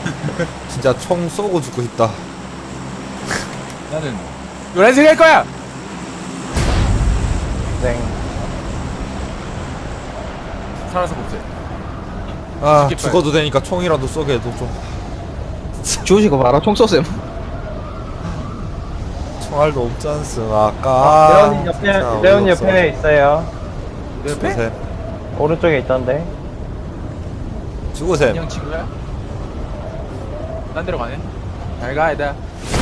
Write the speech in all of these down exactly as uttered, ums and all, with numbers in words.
진짜 총 쏘고 죽고 싶다. 나는 노란색 할 거야. 땡. 살아서 복제. 아 죽겠다. 죽어도 되니까 총이라도 쏘게 해도 좀. 주우시고 봐라 총 쏘셈. 총알도 없지 않습 아까. 레온이 옆에, 레온이 옆에 있어요. 내 옆에? 죽으셈. 오른쪽에 있던데. 죽으셈. 안녕 친구야. 딴 데로 가네. 잘 가, 얘다.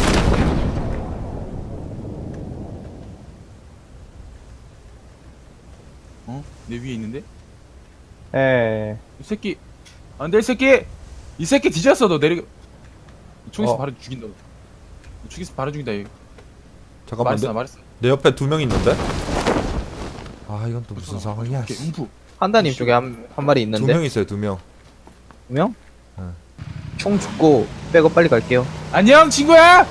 어? 내 위에 있는데? 예. 이 새끼. 안 돼, 이 새끼! 이 새끼 뒤졌어, 너 내려. 총에서 어. 바로 죽인다. 너. 죽이서 바로 죽인다, 얘. 잠깐만 말했어, 내, 말했어. 내 옆에 두 명 있는데? 아 이건 또 무슨 상황이야. 오케이, 음프. 한다님 쪽에 한, 한 마리 두 있는데. 명 있어요 두 명. 두 명? 응. 총 죽고 백업 빨리 갈게요. 안녕, 친구야!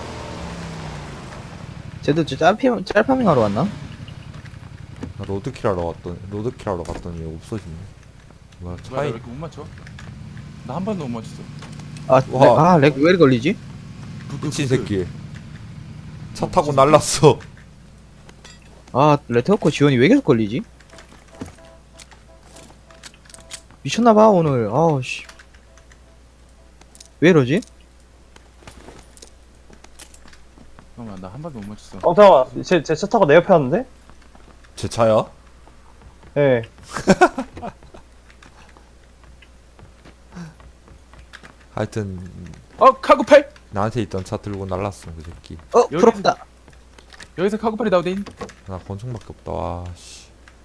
쟤도 저 짤피, 짤파밍 하러 왔나? 나 로드킬 하러 갔더니 로드킬 하러 갔더니 없어지네. 뭐야 뭐야, 나 차이. 왜 이렇게 못 맞춰? 나 한 번도 못 맞췄어. 아, 와. 렉, 아, 렉 왜 이렇게 걸리지? 미친 새끼. 차 타고 날랐어. 아, 레트워크 지원이 왜 계속 걸리지? 미쳤나봐, 오늘. 아우, 씨. 왜 이러지? 잠깐만, 나 한 번도 못 맞췄어. 어, 잠깐만. 제, 제 차 타고 내 옆에 왔는데? 제 차야? 예. 하여튼 어, 카구팔! 나한테 있던 차 들고 날랐어 그 새끼. 어, 여기- 부럽다. 여기서 카구팔이 나오대인. 나 권총밖에 없다. 와 씨.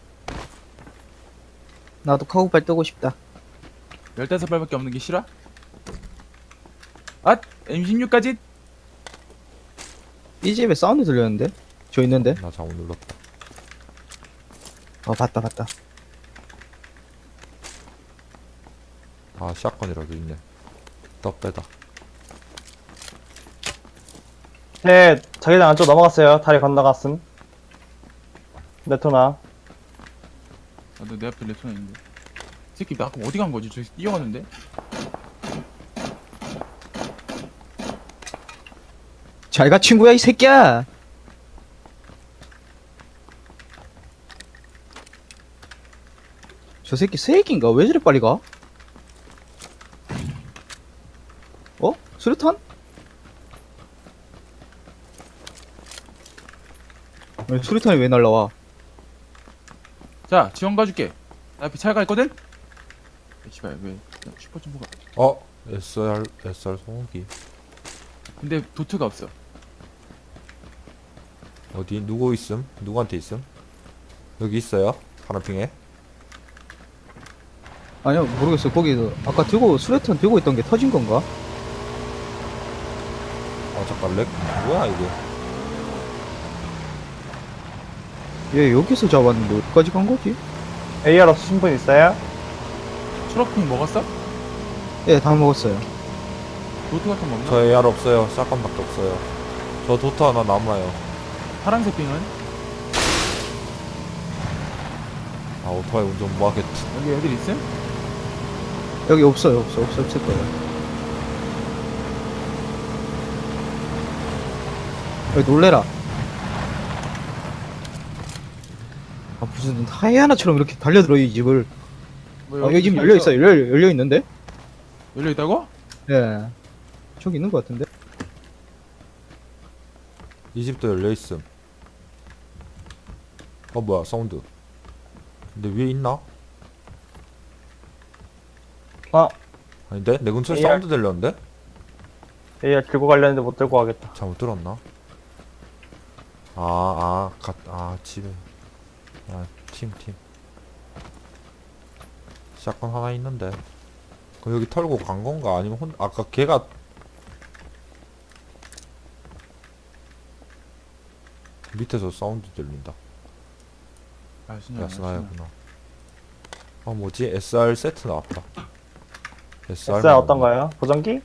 나도 카우팔 뜨고 싶다. 열다섯 발밖에 없는 게 싫어? 아! 엠 십육까지? 이 집에 사운드 들렸는데? 저 있는데? 나 잘못 눌렀다. 어, 봤다, 봤다. 아 샷건이라도 있네. 떡 빼다. 제 자기장 안쪽 넘어갔어요. 다리 건너갔음. 레토나. 아, 너 내 앞에 레토나 있는데. 이 새끼, 나 아까 어디 간 거지? 저기 뛰어가는데? 잘 가, 친구야, 이 새끼야! 저 새끼 새끼인가? 왜 저리 빨리 가? 어? 수류탄? 왜 수류탄이 왜 날라와? 자, 지원 가줄게. 나 앞에 차가 있거든? 야, 씨발, 왜. 야, 슈퍼 점프가. 어 에스알 에스알 소음기. 근데 도트가 없어. 어디 누구 있음? 누구한테 있음? 여기 있어요? 파란핑에? 아니요, 모르겠어. 거기 아까 들고 수류탄 들고 있던 게 터진 건가? 아 잠깐 렉 뭐야 이거? 얘 여기서 잡았는데 어디까지 간 거지? 에이알 없으신 분 있어요? 초록핑 먹었어? 예, 다 먹었어요. 도트 같은 거 없나? 저 에이알 없어요. 샷건밖에 없어요. 저 도트 하나 남아요. 파란색 핑은? 아 오토바이 운전 뭐하겠지. 여기 애들 있음? 여기 없어요, 없어, 없어, 없을 거예요. 여기 놀래라. 아, 무슨 하이아나처럼 이렇게 달려들어, 이 집을. 뭐 아, 여기 집 열려있어요. 열려, 열려있는데? 열려있다고? 예. 저기 있는 것 같은데? 이 집도 열려 있음. 어 뭐야 사운드. 근데 위에 있나? 아, 아닌데? 내 근처에 에이알. 사운드 들렸는데? 에이알 들고 가려는데 못 들고 가겠다. 잘못 들었나? 아, 아, 가, 아, 집에. 아, 팀, 팀. 샷건 하나 있는데. 그럼 여기 털고 간 건가? 아니면 혼, 아까 걔가. 밑에서 사운드 들린다. 아, 진짜. 야스나야구나. 아, 뭐지? 에스알 세트 나왔다. 에스알. 에스알 어떤 거요? 보정기?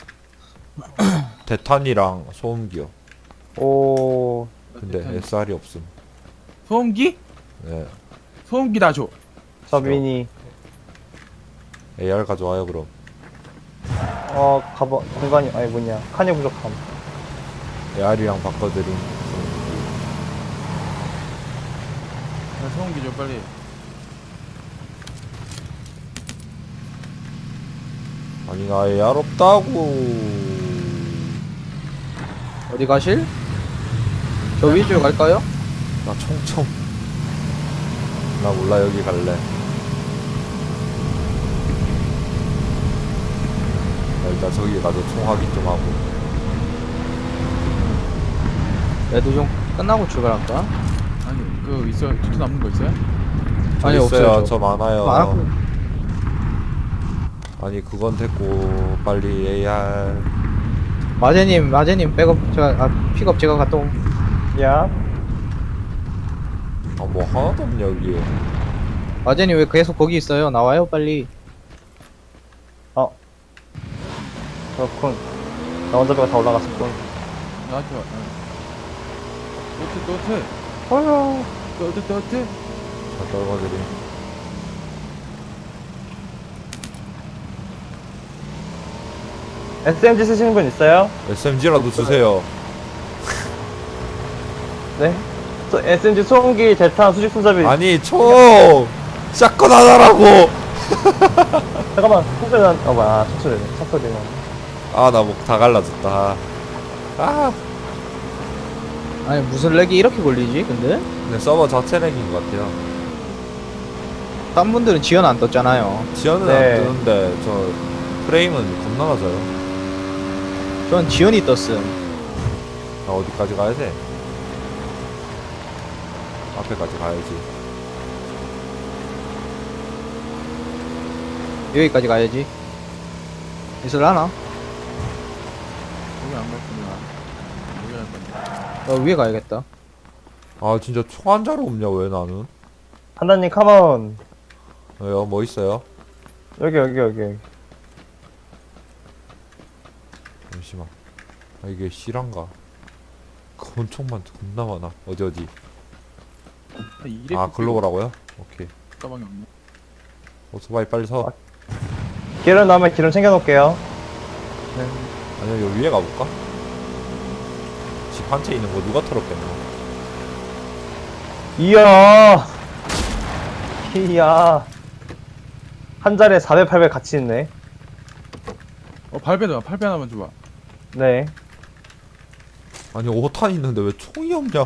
대탄이랑 소음기요. 오, 근데 에스알이 없음. 소음기? 네. 소음기 나 줘. 저 미니. 에이알 가져와요, 그럼. 어, 가봐, 공간이, 아니, 뭐냐. 칸이 부족함. 에아리랑 바꿔드림. 야, 소음기 좀 빨리. 아니 나 에알 없다고. 어디 가실? 저 위주로 갈까요? 나 총총. 나 몰라 여기 갈래. 나 일단 저기 가서 총 확인 좀 하고. 레드 좀 끝나고 출발할까? 아니, 그 있어. 투투 남는 거 있어요? 저 아니, 있어요. 없어요, 저. 저 많아요. 많았고. 아니 그건 됐고 빨리 에이알. 마제님, 마제님 백업 제가 아 픽업 제가 갔다 옴. 야, 아 뭐 하나도 없냐 여기에. 마제님 왜 계속 거기 있어요? 나와요 빨리. 그렇군. 나 혼자 배가 다 올라갔었군. 나한테 와. 또트, 또트. 어휴. 또트, 또트. 자 떨궈드림. 에스엠지 쓰시는 분 있어요? 에스엠지라도 주세요. 네. 저 에스엠지 소음기, 대탄, 수직 손잡이. 아니 총 샷건 하나라고. 잠깐만, 총소리 난, 어, 뭐야, 아, 총소리네. 총소리네. 아 나 목 다 갈라졌다. 아 아니 무슨 렉이 이렇게 걸리지? 근데 근데 서버 자체 렉인 것 같아요. 딴 분들은 지연 안 떴잖아요. 지연은 네. 안 뜨는데 저 프레임은 겁나 낮아요. 전 지연이 떴음. 나 어디까지 가야 돼? 앞에까지 가야지. 여기까지 가야지. 있을라나? 여기 안 갔구나. 여기 안 갔네. 어 위에 가야겠다. 아 진짜 총 한 자루 없냐 왜 나는? 판단님, 컴온. 왜요? 뭐 있어요? 여기, 여기, 여기. 여기. 잠시만. 아 이게 실한가? 권총만 겁나 많아. 어디 어디? 이래 아 글로 오라고요? 오케이. 가방이 없네. 오토바이 빨리 서. 기름 나오면 기름 챙겨놓을게요. 아니요 여기 위에 가볼까? 집 한 채 있는 거 누가 털었겠나? 이야. 이야. 한 자리에 사백, 팔백 같이 있네. 어, 발배다. 팔배 하나만 줘봐. 네. 아니 오 탄 있는데 왜 총이 없냐?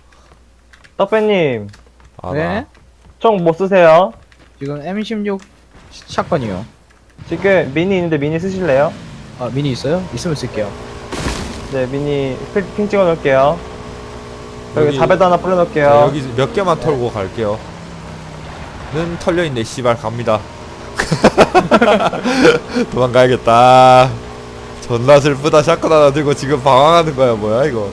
떡배님, 아 네? 나. 총 뭐 쓰세요? 지금 엠 십육 샷건이요. 지금 미니 있는데 미니 쓰실래요? 아 미니 있어요? 있으면 쓸게요. 네, 미니 핑, 핑 찍어 놓을게요. 여기, 여기- 사배도 하나 뿌려놓을게요. 자, 여기 몇 개만 털고 갈게요. 는 털려있네 씨발 갑니다. 도망가야겠다. 존나 슬프다. 샷건 하나 들고 지금 방황하는 거야 뭐야 이거.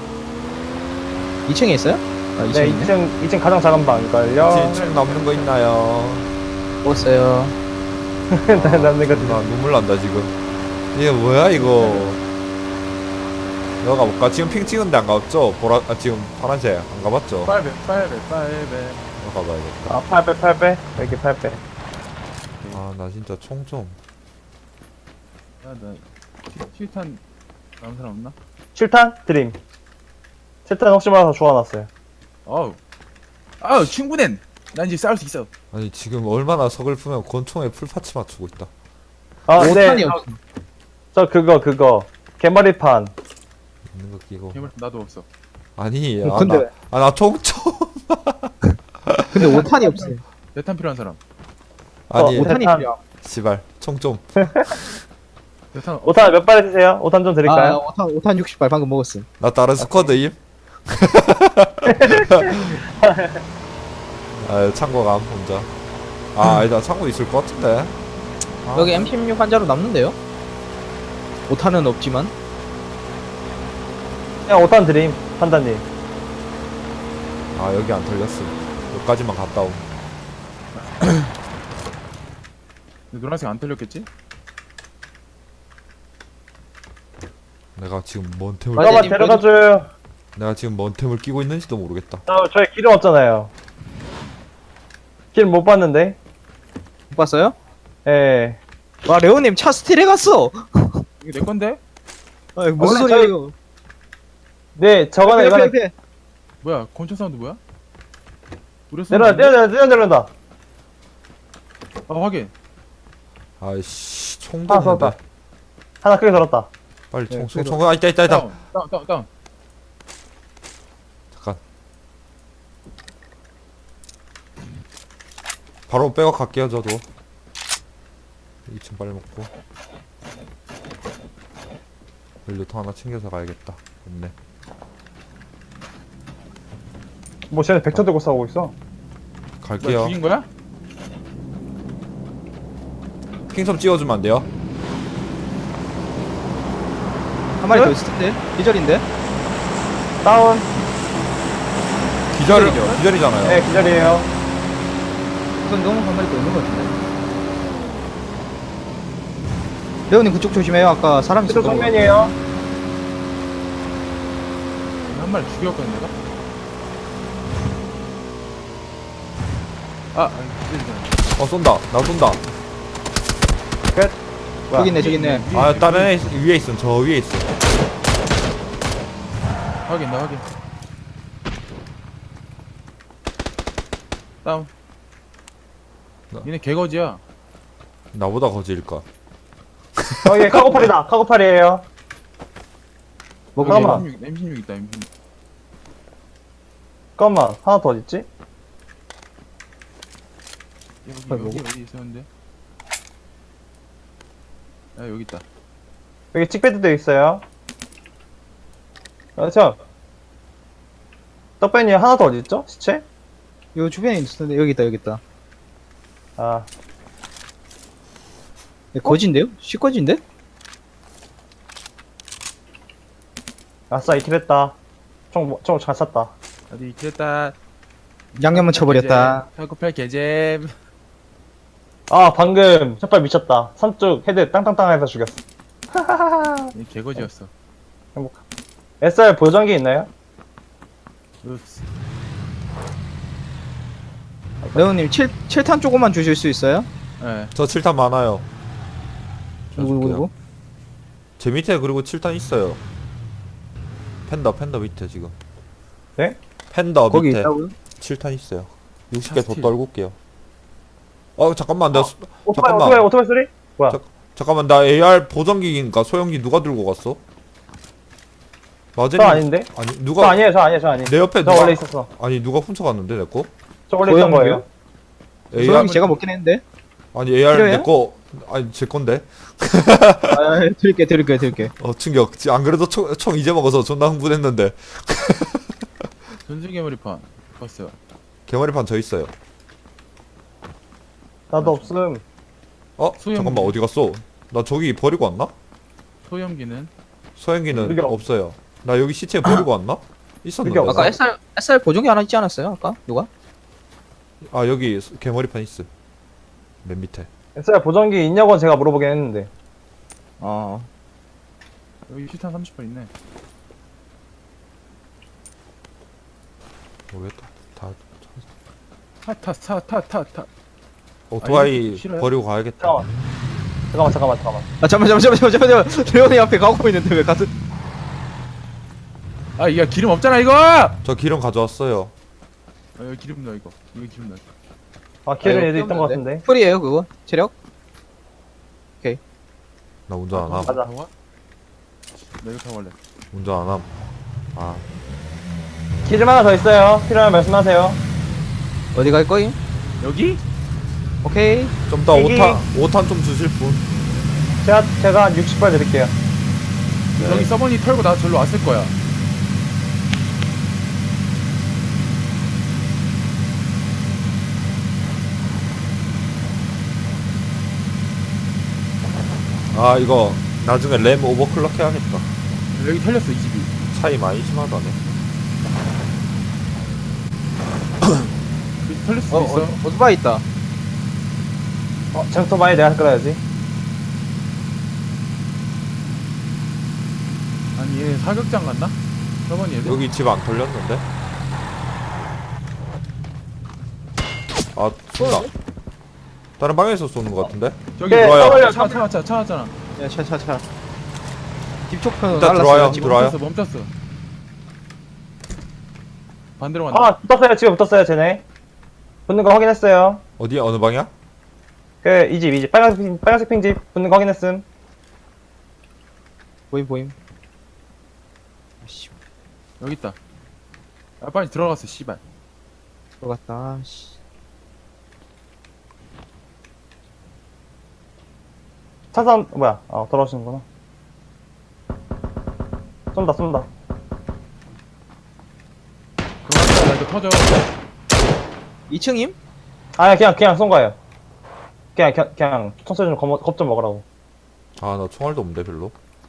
이 층에 있어요? 아 이 층에 네, 있네. 이 층, 이 층 가장 작은 방일걸요? 책 남는 거 있나요? 먹었어요. 남는 거 나 눈물 난다 지금. 이게 뭐야 이거. 여기 가볼까? 지금 핑 찍은데 안 가봤죠? 보라 아 지금 파란색 안 가봤죠? 팔배, 팔배, 팔배. 여기 가봐야겠다. 아, 팔 배, 팔 배. 여기 팔 배. 아 나 진짜 총 좀. 야, 나 칠- 칠탄 남은 사람 없나? 칠 탄? 드림. 칠 탄 혹시 몰라서 주워놨어요. 어우. 아우, 충분해. 난 이제 싸울 수 있어. 아니 지금 얼마나 서글프면 권총에 풀파츠 맞추고 있다. 아, 오 네. 탄이 없어. 저 그거, 그거. 개머리판. 있는 거 끼고. 괴물 나도 없어. 아니 어, 근데- 아나아나 총총. 근데 오 탄이 없어요. 대탄 필요한 사람. 아니 어, 오 탄이 대탄. 필요. 씨발 총 좀. 대탄 어, 오 탄 몇 발 쓰세요? 오 탄 좀 아 드릴까요? 오 탄 오 탄 육십 발 방금 먹었음. 나 다른 스쿼드임? 아 창고감 혼자. 아 아니다 창고 있을 것 같은데. 아, 여기 엠 십육 한 자루 남는데요? 오 탄은 없지만. 그냥 오 탄 드림. 판단님. 아 여기 안 털렸음. 여기까지만 갔다 옴. 노란색 안 털렸겠지? 내가 지금 뭔 템을 맞아. 잠깐만 데려가줘요. 내가 지금 뭔 템을 끼고 있는지도 모르겠다. 저, 저희 기름 없잖아요. 기름 못 봤는데? 못 봤어요? 예. 와 레오님 차 스틸해 갔어. 이게 내 건데? 아 이거 무슨 원래 소리야 저희- 이거. 네, 저거는 옆에, 이거는 옆에, 옆에. 뭐야 권총 사운드 뭐야? 우리 내려온다, 내려온다, 내려온다, 내려온다. 아 확인. 아이씨 총도 하나 쏘았다. 없는데. 하나 크게 들었다. 빨리 네, 총 총 그래도- 총. 아 있다 있다 있다. 다운 다운 다운 다운. 잠깐. 바로 백업 갈게요 저도. 이 층 빨리 먹고. 연료통 하나 챙겨서 가야겠다. 없네. 뭐, 쟤네 벡터 들고 싸우고 있어. 뭐야 갈게요. 죽인 거야? 킹섬 찍어주면 안 돼요? 한 마리 네? 더 있을 텐데. 기절인데. 다운. 기절 기절이죠? 기절이잖아요. 네, 기절이에요. 우선 너무 한 마리 더 있는 것 같은데. 레오님 그쪽 조심해요. 아까 사람 그쪽 있었던 거. 정면이에요. 한 마리 죽였거든 내가. 아, 아니, 그러니까. 어 쏜다. 나 쏜다. 끝. 저기 있네 저기 있네. 위에, 아 위에, 다른 위에. 애 있- 위에 있음. 저 위에 있어. 확인 나 확인. 다운. 나- 얘네 개거지야. 나보다 거지일까? 저기 카고팔이다. 카고팔이에요. 뭐 여기 잠깐만. 엠십육, 엠십육 있다 엠십육. 잠깐만. 하나 더 어딨지? 여기 아, 여기 뭐고? 어디 있었는데? 아 여기 있다. 여기 칙배드도 있어요. 그렇죠. 떡배니 하나 더 어딨죠? 시체? 요 주변에 있었는데 여기 있다 여기 있다. 아, 얘 거진데요? 시거진데? 아싸, 이킬 했다. 총, 총 잘 쐈다. 어디 됐다. 양념은 쳐버렸다. 팔구팔 개잼. 아, 방금 첫발 미쳤다. 삼쪽 헤드 땅땅땅 해서 죽였어. 얘 개거지였어. 행복하. 에스알 보정기 있나요? 읍스. 레오님 칠, 칠탄 조금만 주실 수 있어요? 예. 저 칠 탄 많아요. 누구 누구 누구? 제 밑에 그리고 칠 탄 있어요. 팬더 팬더 밑에 지금. 네? 팬더 거기 밑에 있다고요? 칠 탄 있어요. 육십 개 더 스틸. 떨굴게요. 어 잠깐만 나 수- 오토바이, 잠깐만. 오토바이, 오토바이 소리? 뭐야? 자- 잠깐만 나 에이알 보정기인가 소형기 누가 들고 갔어? 마제님 저 아닌데? 아니 저 누가 아니에요, 저 아니에요, 저 아니에요. 내 옆에 저 누가 원래 있었어. 아니 누가 훔쳐갔는데 내 거? 저 원래 있던 소형기요? 거예요. 에이알 소형이 제가 먹긴 했는데. 아니 에이알 필요해요? 내 거 아니 제 건데. 아, 드릴게 드릴게 드릴게. 어 충격. 지- 안 그래도 총, 총 이제 먹어서 존나 흥분했는데 전술개머리판. 봤어요. 개머리판 저 있어요. 나도 없음. 어 소형기. 잠깐만 어디 갔어? 나 저기 버리고 왔나? 소형기는 소형기는 여기 없- 없어요. 나 여기 시체 버리고 왔나? 있었는데. 여기 없어. 아까 에스알 에스알 보정기 하나 있지 않았어요? 아까 누가? 아 여기 소- 개머리판 있음. 맨 밑에. 에스알 보정기 있냐고 제가 물어보긴 했는데. 어. 여기 실탄 삼십 발 있네. 모르겠다. 다 타타타타타. 오토바이 아니, 싫어요? 버리고 가야겠다. 잠깐만. 잠깐만, 잠깐만, 잠깐만. 아 잠깐만 잠깐만 잠깐만 잠깐만. 레오님 앞에 가고 있는데 왜 같은? 아 이거 기름 없잖아 이거. 아 저 기름 가져왔어요. 여기 기름 넣어 이거. 이거 기름 넣어. 아, 길은 아, 얘도 이거 있던 것 떼었는데? 같은데. 풀이에요 그거? 체력? 나 운전 안 함. 가자. 나 이거 타고 갈래. 운전 안 함. 아 기름 하나 더 있어요. 필요하면 말씀하세요. 어디 갈 거임? 여기? 오케이. 좀 이따 여기- 오탄 오탄 좀 주실 분. 제가, 제가 한 육십 발 드릴게요. 여기 서버니 털고 나 절로 왔을 거야. 아 이거 나중에 램 오버클럭 해야겠다. 여기 털렸어 이 집이. 차이 많이 심하다네. 여기 털릴 수도 어, 있어. 어 오토바이 있다. 어, 쟁토바이 내가 끌어야지. 아니 얘 사격장 갔나? 서버니 얘들? 여기 집 안 털렸는데? 아 쏜다. 다른 방에서 쏘는 것 같은데? 저기 네, 좋아요. 서버니- 차차차 차 왔잖아. 야 차 차 차. 딥초편 일단 날랐어요. 들어와요. 지금. 들어와요. 멈췄어 멈췄어. 반대로 간다. 아, 붙었어요. 지금 붙었어요, 쟤네. 붙는 거 확인했어요. 어디야? 어느 방이야? 그, 이 집, 이 집. 빨간색, 핑- 빨간색 핑집. 붙는 거 확인했음. 보임 보임. 아씨 여기 있다. 아 빨리 들어갔어 씨발. 들어갔다. 씨. 차선, 뭐야. 어, 돌아오시는구나. 쏜다, 쏜다. 그거 왔다 나 이거 터져. 이 층임? 아, 그냥, 그냥 쏜 거예요. 그냥, 그냥, 그냥, 청소리 좀 겁, 겁좀 먹으라고. 아, 나 총알도 없는데 별로.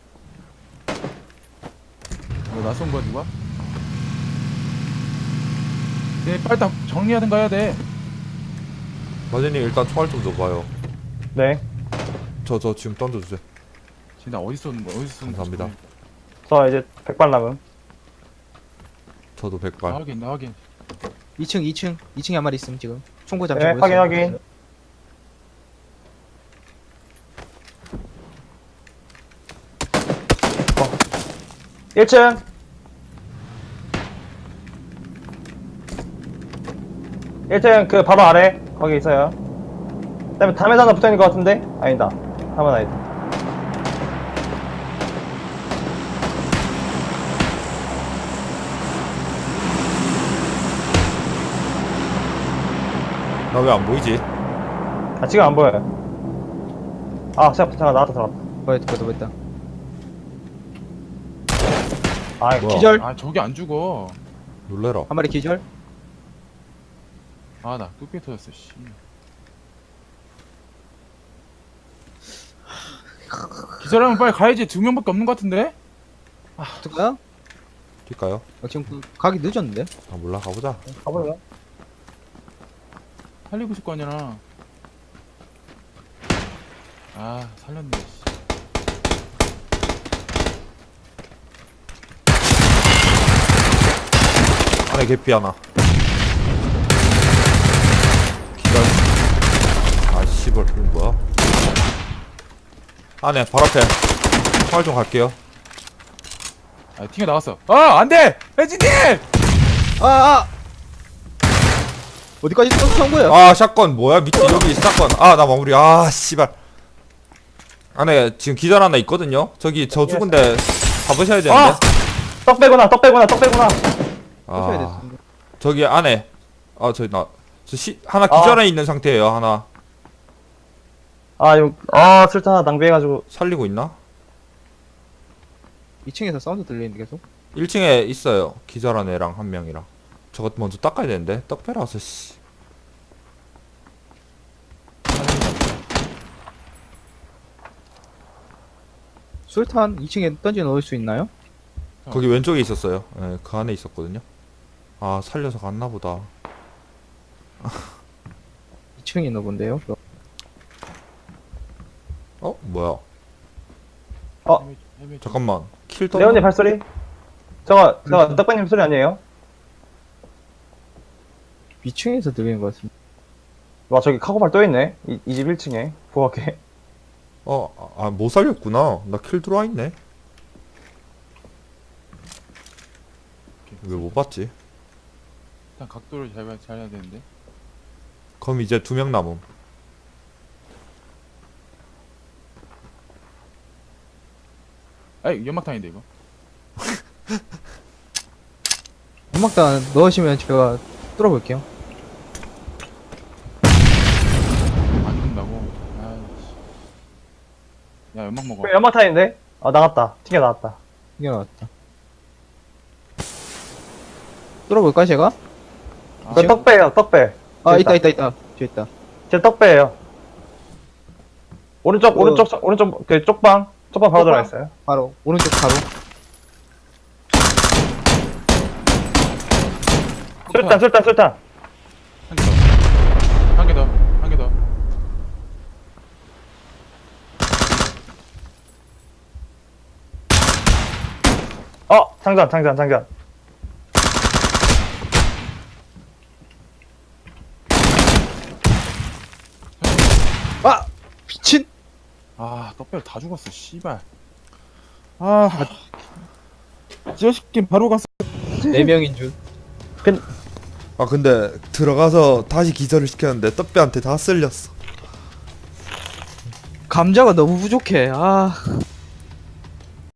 이거 낯선 거야 누가? 네 빨리 다 정리하든가 해야 돼. 마제님 일단 총알 좀 줘봐요. 네. 저 저 지금 던져주세요. 지금 나 어디 쏘는 거야? 어디 쏘는 거야? 감사합니다. 저 이제 백발 남음. 저도 나 백발. 확인 나 확인. 이 층 이 층 이 층에 한 마리 있음 지금. 총구 잠시 네, 보였어요. 확인, 확인. 일 층. 일 층 그 바로 아래 거기 있어요. 그다음에 담에 하나 붙어있는 것 같은데? 아니다. 담은 아니다. 나 왜 안 보이지? 아 지금 안 보여요. 아 잠깐 잠깐 나왔다 들어갔다. 보였다 보였다 보였다. 아 이거 뭐야? 기절. 아 저기 안 죽어. 놀래라. 한 마리 기절. 아 나 뚝배 터졌어 씨. 기절하면 빨리 가야지. 두 명밖에 없는 것 같은데? 어떡해요? 뛸까요? 어, 지금 그 가기 늦었는데. 아 몰라 가보자. 가볼래요? 살리고 있을 거 아니야. 아 살렸네 씨. 안에 개피 하나. 기절. 아 씨발 이건 뭐야? 안에 바로 앞에. 총알 좀 갈게요. 아 튕겨 나갔어. 아 안돼! 혜진님! 아 아. 어디까지 쏜 거야? 아 샷건 뭐야? 밑에 여기 샷건. 아 나 마무리. 아 씨발. 안에 지금 기절 하나 있거든요. 저기 저 죽은데 잡으셔야 되는데. 아! 떡 빼구나 떡 빼구나 떡 빼구나. 쏘셔야 아 됐습니다. 저기 안에. 아 저기 나저 시 하나 아. 기절해 있는 상태예요. 하나 아 이거 아 술탄 하나 낭비해가지고. 살리고 있나? 이 층에서 사운드 들리는데 계속. 일 층에 있어요. 기절한 애랑 한 명이랑. 저것 먼저 닦아야 되는데. 떡 빼라서 씨. 술탄 이 층에 던져 넣을 수 있나요? 거기 왼쪽에 있었어요. 예, 그 안에 있었거든요. 아 살려서 갔나 보다. 이 층에 있나 본데요. 어 뭐야? 어. 헤매- 헤매- 잠깐만. 킬 떠. 레온님 발소리. 저거 저거 떡배님 소리 아니에요? 이 층에서 들리는 것 같습니다. 와 저기 카고팔 또 있네. 이 집 일 층에 부엌에. 어아못 살렸구나. 나 킬 들어와 있네. 왜 못 봤지? 일단 각도를 잘, 봐- 잘 해야 되는데. 그럼 이제 두 명 남음. 아이 연막탄인데 이거. 연막탄 넣으시면 제가 뚫어볼게요. 안 죽는다고. 아이씨. 야 연막 먹어. 그 연막탄인데? 아 나갔다. 튕겨 나갔다. 이게 나왔다. 뚫어볼까 제가? 아, 그 떡배예요 떡배. 아 됐다. 있다 있다 있다. 뒤에 있다. 제 떡배예요. 오른쪽 어. 오른쪽 서- 오른쪽 그 쪽방 쪽방 바로 쪽방? 들어가 있어요. 바로 오른쪽 바로. 술탄 술탄 술탄. 한 개 더. 한 개 더. 한 개 더. 어 장전 장전 장전. 아 미친. 아 떡배를 다 죽었어 씨발. 아, 지어시킨 바로 갔어. 네 명인 줄. 아 근데 들어가서 다시 기절을 시켰는데 떡배한테 다 쓸렸어. 감자가 너무 부족해. 아.